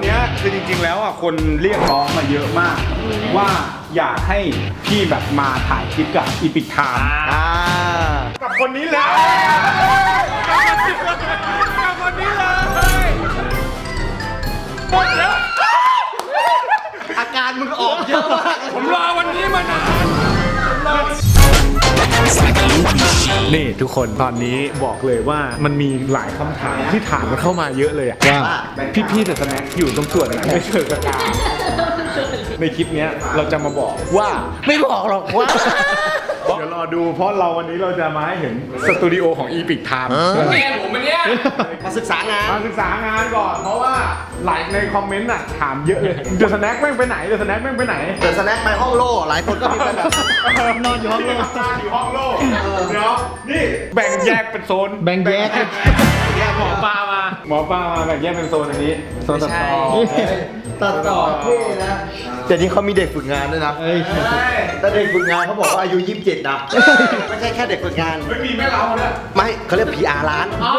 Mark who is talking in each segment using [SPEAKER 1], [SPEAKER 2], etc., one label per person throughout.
[SPEAKER 1] นี้คือจริงๆแล้วอ่ะคนเรียกร้องมาเยอะมาก ว่าอยากให้พี่แบบมาถ่ายคลิปกับอีพิกไทม์กับคนนี้เลยกับคนนี้เลยหมดแล้ว
[SPEAKER 2] อาการมึงออกเยอะมาก
[SPEAKER 1] ผมรอวันนี้มานานนี่ทุกคนตอนนี้บอกเลยว่ามันมีหลายคำถามที่ถามกันเข้ามาเยอะเลยอะว่าพี่ๆแต่สแน็คอยู่ตรงส่วนไหนไม่เชิงกระตาในคลิปนี้เราจะมาบอกว่า
[SPEAKER 2] ไม่บอกหรอกว่า
[SPEAKER 1] เดี๋ยวรอดูเพราะเราวันนี้เราจะมาให้เห็นสตูดิโอของอีพิกไทม์แม่ผมเนี่ย
[SPEAKER 2] มาศึกษางาน
[SPEAKER 1] มาศึกษางานก่อนเพราะว่าหลายในคอมเมนต์อ่ะถามเยอะเลยเดอะสแน็คแม่งไปไหนเดอะสแน็คแม่งไปไหน
[SPEAKER 2] เดินสแน็คไปห้องโล่หลายคนก็มีแบบนอนอยู่ห้องโล่
[SPEAKER 1] อยู่ห้องโล่เดี๋ยวนี่แบ่งแยกเป็นโซน
[SPEAKER 3] แบ่งแยก
[SPEAKER 1] หมอปลามาแบ่งแยกเป็นโซนอันนี้โซนตัดต่อ
[SPEAKER 2] ตัดต่อเท่นะแต่นี่เขามีเด็กฝึกงานด้วยนะแต่เด็กฝึกงานเขาบอกว่าอายุ 27 นะ ไม่ใช่แค่เด็กฝึกงาน
[SPEAKER 1] ไม่มีแม่เราเนี่ย
[SPEAKER 2] ไม่เขาเรียก PR ร้าน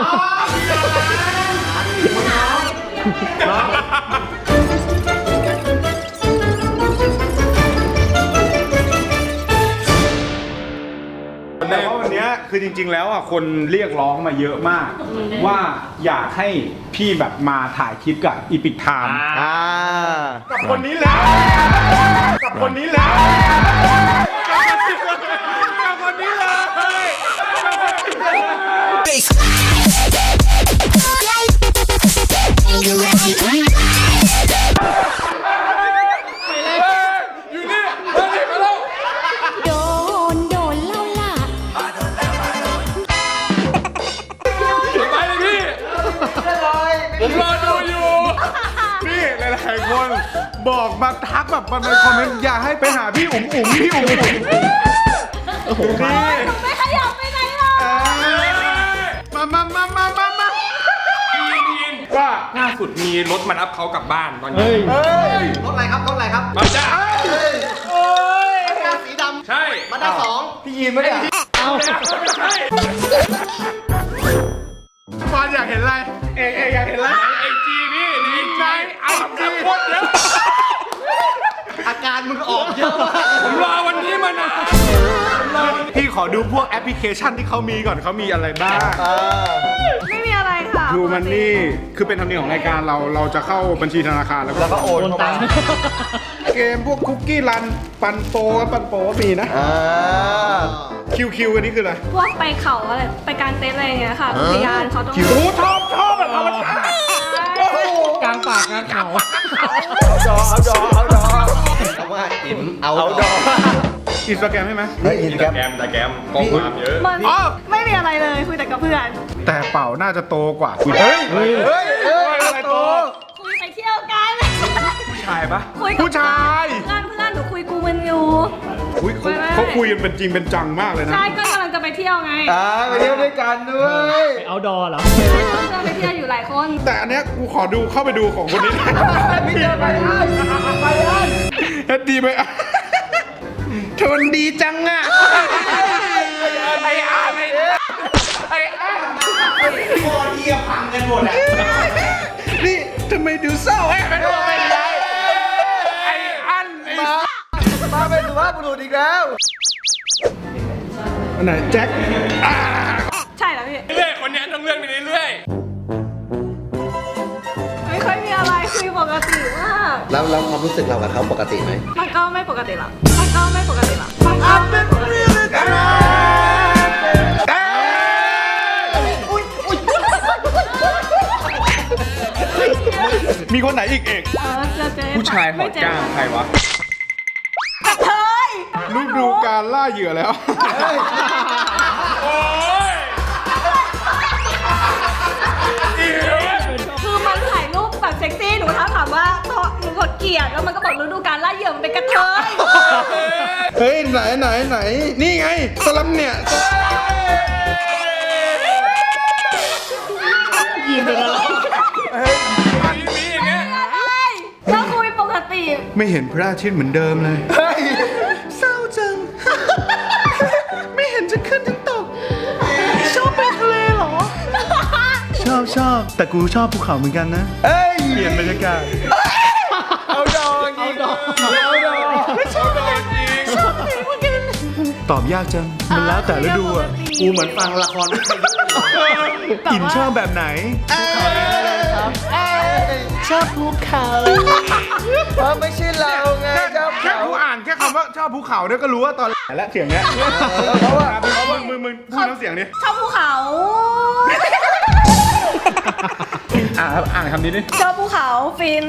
[SPEAKER 1] แต่ว่าวันนี้คือจริงๆแล้วอ่ะคนเรียกร้องมาเยอะมาก ว่าอยากให้พี่แบบมาถ่ายคลิปกับอีพิกไทม์กับคนนี้แล้วกับคนนี้แล้วกับคนนี้เลยอยู่นี่มาแล้ว
[SPEAKER 4] โดนเล่าล่ะ
[SPEAKER 1] ไปเลยพี่ผมรอดูอยู่พี่หลายๆคนบอกมาทักแบบมาในคอมเมนต์อยากให้ไปหาพี่อุ๋มพี่อุ๋มนี่
[SPEAKER 4] ไม่ขยับไปไหนหรอก
[SPEAKER 1] มาว่าล่าสุดมีรถมารับเขากลับบ้านตอนนี้
[SPEAKER 2] รถอะไรครับ รถอะไรครับ
[SPEAKER 1] มาจ้า
[SPEAKER 2] มาด้าสีดำ
[SPEAKER 1] ใช่
[SPEAKER 2] มาด้า2พี่ยีนไม่ได้
[SPEAKER 1] ไม่ใช่บอลอยากเห็นอะไรเอกอยากเห็นอะไรไอจีพี่ในไอจีโคตรเยอะ
[SPEAKER 2] อาการมึงออกเยอะมาก
[SPEAKER 1] ผมรอวันนี้มานานพี่ขอดูพวกแอปพลิเคชันที่เขามีก่อนเขามีอะไรบ้าง
[SPEAKER 4] ไม่มีอะไรค่ะ
[SPEAKER 1] ดูมันนี่คือเป็นธรรมเนียมของรายการเราจะเข้าบัญชีธนาคารแล้ว
[SPEAKER 2] แล้วก็โอนเข้ามา
[SPEAKER 1] เกมพวกคุกกี้รันปันโปก็มีนะคิวอันนี้คืออะไร
[SPEAKER 4] พวกไปเขาอะไรไปกางเต็นท์อะไรอย่างเงี้ยค่ะพยานเขาต้อง
[SPEAKER 1] โอ้ชอบแบบธรรมชาติ
[SPEAKER 3] กลางป่ากลางเขา
[SPEAKER 2] เอาดอเอาว่าเอาดอ
[SPEAKER 1] อินสตาแกรมใช่ไหม
[SPEAKER 2] อินสตาแกรม
[SPEAKER 1] ข้อความเยอะ
[SPEAKER 4] มันไม่มีอะไรเลยคุยแต่กับเพื่อน
[SPEAKER 1] แต่เป่าน่าจะโตกว่าเฮ้ยอะไรโต
[SPEAKER 4] คุยไปเที่ยวกัน
[SPEAKER 1] ผู้ชายปะ
[SPEAKER 4] คุยกับ
[SPEAKER 1] ผู้ชาย
[SPEAKER 4] เพื่อนหนูคุยกูมันอยู่
[SPEAKER 1] อุ้ยเขาคุยกันเป็นจริงเป็นจังมากเลยนะ
[SPEAKER 4] ใช่ก็กำลังจะไปเที่ยวไง
[SPEAKER 2] ไปเที่ยวด้วยกันด้วย
[SPEAKER 3] เอาดอเหรอ
[SPEAKER 4] ใช่ก็จะไปเที่ยวอยู่หลายคน
[SPEAKER 1] แต่อันเนี้ยกูขอดูเข้าไปดูของคนนี้พี่เจอไปเฮ็ดดีไหมเธอมันดีจังอ่ะไอ้อาไอ้อาพอดีพังกันหมดอ่ะนี่ทำไมดูเศร้าไม่รู้ไม่ได้ไอ้อันไอ้
[SPEAKER 2] มาเป็นสุภาพบุรุษอีกแล้ว
[SPEAKER 1] อันไหนแจ็ค
[SPEAKER 4] ใช่แล้วพี่
[SPEAKER 1] เรื่อยคนนี้ต้องเลื่อนไปเรื่อย
[SPEAKER 4] ไม่ค่อยมีอะไรคุยปกติมาก
[SPEAKER 2] แล้วความรู้สึกเรากับเขาปกติไหม
[SPEAKER 4] มันก็ไม่ปกติหรอกมันก็ไม่ปกติหรอกมันก็ไม่ปกติหรอก
[SPEAKER 1] มีคนไหนอีกเอก
[SPEAKER 4] เจอ
[SPEAKER 1] ผู้ชายหอดก้างใครวะ
[SPEAKER 4] กระเทย
[SPEAKER 1] ฤดูการล่าเหยื่อแล้ว โอ้ย
[SPEAKER 4] คือมันถ่ายรูปแบบเซ็กซี่หนูถามว่าหนูกดเกลียดแล้วมันก็บอกฤดูการล่าเหยื่อมันเป็นกระเทย
[SPEAKER 1] เฮ้ยไหนนี่ไงสลัมเนี่ย
[SPEAKER 3] ยินเป็นอะไร
[SPEAKER 1] มีอย่างเงี้ย
[SPEAKER 4] ก็คุยปกติ
[SPEAKER 1] ไม่เห็นพระอาทิตย์เหมือนเดิมเลยเศร้าจัง ไม่เห็นจะขึ้นทั้งตก ชอบไปทะเลเหรอ ชอบแต่กูชอบภูเขาเหมือนกันนะ เปลี่ยนบรรยากาศตอบยากจังมันแล้วแต่ฤดูอ่ะ
[SPEAKER 2] กูเหมือนฟังละครวิทยุ
[SPEAKER 1] อินชอบแบบไหน
[SPEAKER 2] ชอบภูเขาเพราะไม่ใช่เราไงชอบ
[SPEAKER 1] แค่
[SPEAKER 2] เขา
[SPEAKER 1] กูอ่านแค่คำว่าชอบภูเขาเนี่ยก็รู้ว่าตอนและเสียงเนี้ย
[SPEAKER 2] เพราะว่า
[SPEAKER 1] มึงพูดน้ำเสียงนี้
[SPEAKER 4] ชอบภูเขา
[SPEAKER 1] อ่านคำนี้ดิ
[SPEAKER 4] ชอบภูเขาฟิน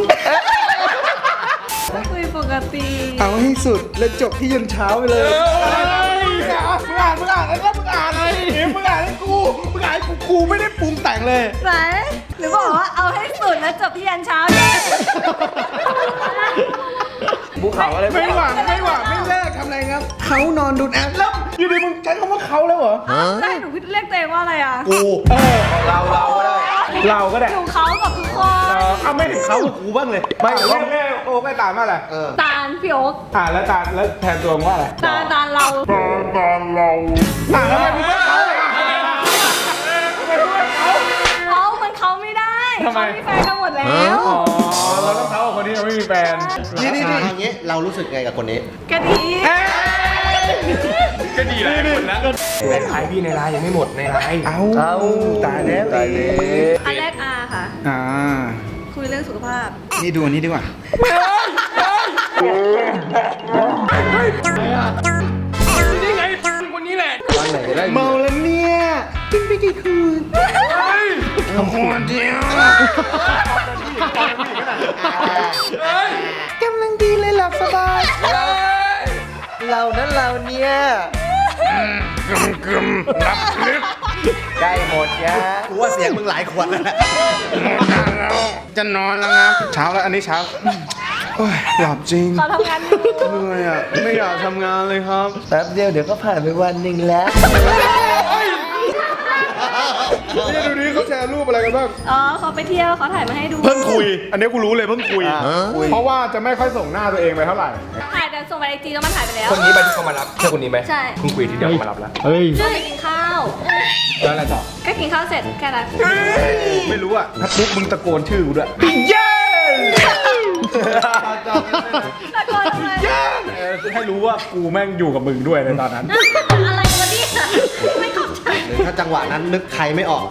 [SPEAKER 4] คุยปกติ
[SPEAKER 1] เอาให้สุดแล้วจบที่ยันเช้าไปเลยมึงอ่านแล้วมึงอ่านมึงอ่านให้กูไม่ได้ปรุงแต่งเลย
[SPEAKER 4] ไหนหรือบอกว่าเอาให้สุดแล้วจบที่ยันเช้าเนี่ย
[SPEAKER 2] ภูเขาอะไร
[SPEAKER 1] ไม่หวังไม่แลกทำอะไรครับเขานอนดูดแอปแล้วอยู่ดีมึงใช้คำว่าเขาแล้วเหรอ
[SPEAKER 4] ได้หนูเรียกตัวเองว่าอะไรอ่ะ
[SPEAKER 2] กูเราก็ได้
[SPEAKER 1] เราก็ได้
[SPEAKER 4] หนูเขากับทุกคน
[SPEAKER 1] เอาไม่ถึงเขากับกูบ้างเลยไม่แม่โอ้ไม่ตามว่าอะไร
[SPEAKER 4] ตาลพี่โอ๊ค
[SPEAKER 1] แล้วแทนตัวมึงว่าอะไร
[SPEAKER 4] ตาลเรา
[SPEAKER 1] ทำไมมึงไม่เขาเลย
[SPEAKER 4] เขามันเขาไม่ได้เขามีแฟนกันหมดแล้ว
[SPEAKER 1] อ๋อเราต้องเขากับคนที่ยังไม่มีแฟน
[SPEAKER 2] นี่อย่างเงี้ยเรารู้สึกไงกับคนนี้
[SPEAKER 4] กะทิ
[SPEAKER 1] ก็ดีแหละหมดแล้ว
[SPEAKER 3] แต่ขายพี่ในไลน์ยังไม่หมดในไลน์
[SPEAKER 1] เอาตายแล้ว
[SPEAKER 4] อันแรกอาค่ะ คุยเรื่องสุขภาพ
[SPEAKER 1] นี่ดูอันนี้ดีกว่า
[SPEAKER 3] นี่ไงคนนี้แหละ
[SPEAKER 1] เมาแล้วเนี่ยเป็นไปกี่คืนคนเดียวกำลังดีเลยหลับสบาย
[SPEAKER 2] เรานั้นเราเนี่ย
[SPEAKER 1] กึมรับลึก
[SPEAKER 2] ใกล้หมดยะกูว่าเสียงมึงหลายขวดแล้ว
[SPEAKER 1] แล้วจะนอนแล้วนะเช้าแล้วอันนี้เช้าโอ้ยหลับจริง
[SPEAKER 4] เขาทำงานอยู่
[SPEAKER 1] เหนื่อยอ่ะไม่อยากทำงานเลยครับ
[SPEAKER 2] แป๊บเดียวเดี๋ยวก็ผ่านไปวันหนึ่งแล้ว
[SPEAKER 1] นี่ดูนี้เขาแชร์รูปอะไรกันบ้าง
[SPEAKER 4] อ๋อเขาไปเที่ยวเขาถ่ายมาให้ดู
[SPEAKER 1] เพิ่งคุย อันนี้กูรู้เลยเพิ่งคุย
[SPEAKER 2] คุย
[SPEAKER 1] เพราะว่าจะไม่ค่อยส่งหน้าตัวเองไปเท่าไหร่
[SPEAKER 4] ถ่ายแต่ส่งไปไอจีแล้วมันถ่ายไปแล้ว
[SPEAKER 3] คนนี้ไปที่เขามารับใช่คนนี้ไหม
[SPEAKER 4] ใช่
[SPEAKER 3] เพิ่งคุยทีเดียวเขามารับแล้ว
[SPEAKER 1] เฮ้ย
[SPEAKER 4] ชื่อไปกินข้าว
[SPEAKER 3] แล้วอะไรต่อ
[SPEAKER 4] ก็กินข้าวเสร็จแค่นั้น
[SPEAKER 1] ไม่รู้อ่ะถ้าปุ๊บมึงตะโกนชื่อกูด้วยเย้
[SPEAKER 4] ตะโกนทำไม
[SPEAKER 1] ให้รู้ว่ากูแม่งอยู่กับมึงด้วยในตอนนั้น
[SPEAKER 4] อะไรวะเนี่ยไม่เข้าใจ
[SPEAKER 2] หรือถ้าจังหวะนั้นนึกใครไม่ออก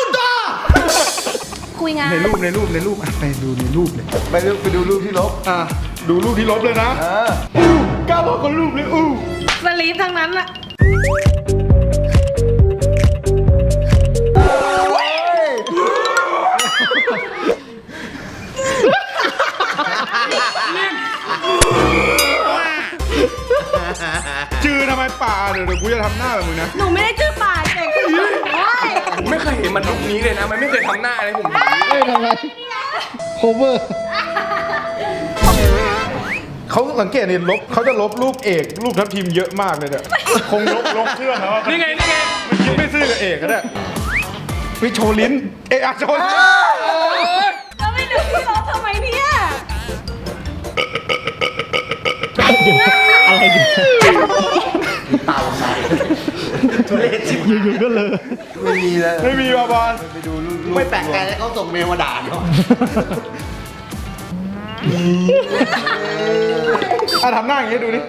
[SPEAKER 4] คุยงาน
[SPEAKER 1] ในรูปอ่ะไปดูในรูปเลย
[SPEAKER 2] ไปดูรูปที่ลบ
[SPEAKER 1] ดูรูปที่ลบเลยนะก้าวบอกคนรูปเลย
[SPEAKER 4] สลีปทั้งนั้นอะ
[SPEAKER 1] จือทำไมป่าเดี๋ยวกูจะทำหน้าแบบมึงนะ
[SPEAKER 4] หนูไม่ได้ชื่อป่าแต่คุณโอ้ย
[SPEAKER 3] ผมไม่เคยเห็นมันลุคนี้เลยนะ มันไม่เคยทำหน้าอะไรผม
[SPEAKER 1] เขาสังเกตนี่เขาจะลบรูปเอกรูปทัพทีมเยอะมากเลยเนี่ยคงลบเครื่องแล้ว
[SPEAKER 3] นี่ไง
[SPEAKER 1] มันคิดไม่ซื่อกับเอกก็ได้วิโชว์ลิ้นโชว์ลิ้น
[SPEAKER 4] แล้วไม่ดูที่ลบทำไมเนี่ย
[SPEAKER 3] อะไรดิ
[SPEAKER 2] เต่าใส่ทุเรศชิบ
[SPEAKER 1] อยู่ๆก็เลย
[SPEAKER 2] ไม่มีเลย
[SPEAKER 1] ไม่มีบอล
[SPEAKER 2] ไปดูรูปไม่แปลกใจแล้วเขาส่งเมลมาด่าเนาะ
[SPEAKER 1] ทำหน้าอย่างนี้ดูดิ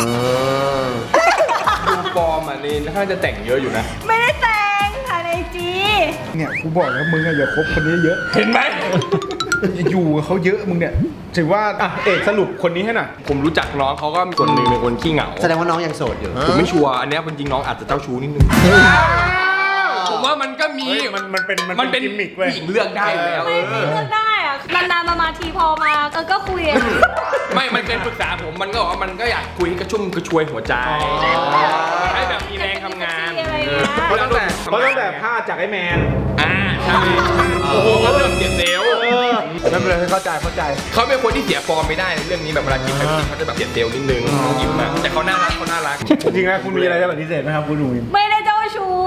[SPEAKER 3] ดูฟอร์มอ่ะนี่น่าจะแต่งเยอะอยู่นะ
[SPEAKER 4] ไม่ได้แต่งถ่ายในไอจี
[SPEAKER 1] เนี่ยกูบอกแล้วมึงอะอย่าคบคนนี้เยอะ
[SPEAKER 3] เห็นไหม
[SPEAKER 1] อย่าอยู่กับเขาเยอะมึงเนี่ยถือว่าเอกสรุปคนนี้ให้หน่อย
[SPEAKER 3] ผมรู้จักน้องเขาก็มีคนหนึ่งเป็นคนขี้เหงา
[SPEAKER 2] แสดงว่าน้องยังโสดอยู่
[SPEAKER 3] ผมไม่ชัวร์อันเนี้ยจริงๆน้องอาจจะเจ้าชู้นิดนึง ผมว่ามันก็มี
[SPEAKER 1] มันเป็น
[SPEAKER 3] เป็น
[SPEAKER 1] กิมมิกเว้ย
[SPEAKER 3] ผู้หญิงเลือกได้อยู่แล้ว
[SPEAKER 4] ไม่เลือกได้อะนานๆมาทีพอมาก็คุยอะ
[SPEAKER 3] ไม่มันเคยปรึกษาผมมันก็บอกว่ามันก็อยากคุยให้กระชุ่มกระชวยหัวใจให้แบบมีแรงทำงาน
[SPEAKER 4] อะไรเงี้ย
[SPEAKER 1] เพราะตั้งแต่ผ้าจากไอ้แมน
[SPEAKER 3] ใช่โอ้โหก็เริ่มเสียเซลล์
[SPEAKER 1] ไม่เป็นไรเข้าใจ
[SPEAKER 3] เขาเป็นคนที่เสียฟอร์มไม่ได้ในเรื่องนี้แบบเวลากินแบบเขาจะแบบเสียเซลล์นิดนึงยิ้มอะแต่เขาน่ารัก
[SPEAKER 1] จริงๆนะคุณมีอะไรจะปฏิเสธไหมครับคุณหนุ่ย
[SPEAKER 4] ไม่ได้เจ้าชู้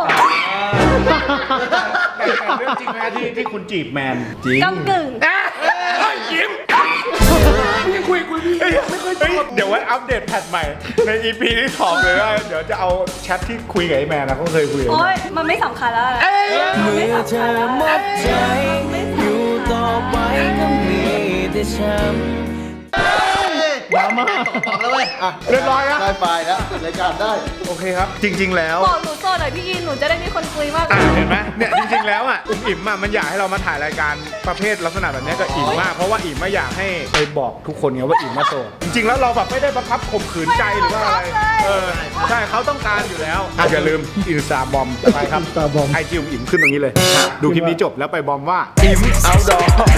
[SPEAKER 1] แต่เรื่องจริงนะที่คุณจีบแมนจริง
[SPEAKER 4] กำกึ่ง
[SPEAKER 3] ยิ้มยังคุยไม่ค่อยชอบ
[SPEAKER 1] เดี๋ยวไว้อัปเดตแพทใหม่ใน EP ที่2เลยว่าเดี๋ยวจะเอาแชทที่คุยกับไอ้แมนนะเขาเคยคุยกับ
[SPEAKER 4] โอ๊ยมันไม่สำคัญแล้วนะมันไม่สำคัญแล้วนะอยู่ต่อไปก็มีแต่ช้ำ
[SPEAKER 2] มาบอกแล้วเว้ยอ่ะ
[SPEAKER 1] เรียบร้อยนะ
[SPEAKER 2] ได้ไฟล์แล้วปิดรายการได้
[SPEAKER 1] โอเคครับ จริง ๆ แล้ว
[SPEAKER 4] บอกหนูโซนหน่อยพี่อินหนูจะได้มีคนคุยมาก
[SPEAKER 1] เห็นไหมเนี่ยจริงๆแล้วอ่ะอิ่มอ่ะมันอยากให้เรามาถ่ายรายการประเภทลักษณะแบบนี้ก็อิ่มมากเพราะว่าอิ่มไม่อยากให้ไปบอกทุกคนไงว่าอิ่มมาโสดจริงๆแล้วเราแบบไม่ได้บังคับข่มขืนใจหรือว่าอะไรใช่เขาต้องการอยู่แล้วอย่าลืมอินสตาบอมไปครับ
[SPEAKER 2] Instagram
[SPEAKER 1] ไอจีอิ่มขึ้นตรงนี้เลย ดูคลิปนี้จบแล้วไปบอมว่า
[SPEAKER 2] อิ่มเอาดอ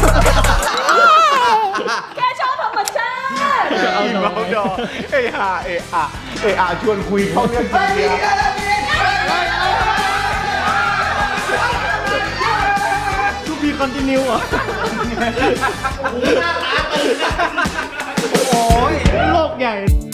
[SPEAKER 4] แค่ชอบธรรมชาติ
[SPEAKER 1] อิ่มเอาดอเออาชวนคุยเข้าเรื่องจริงเนี่ย
[SPEAKER 2] ทูบีคอนติเนียอ่ะโอ้ยโลกใหญ่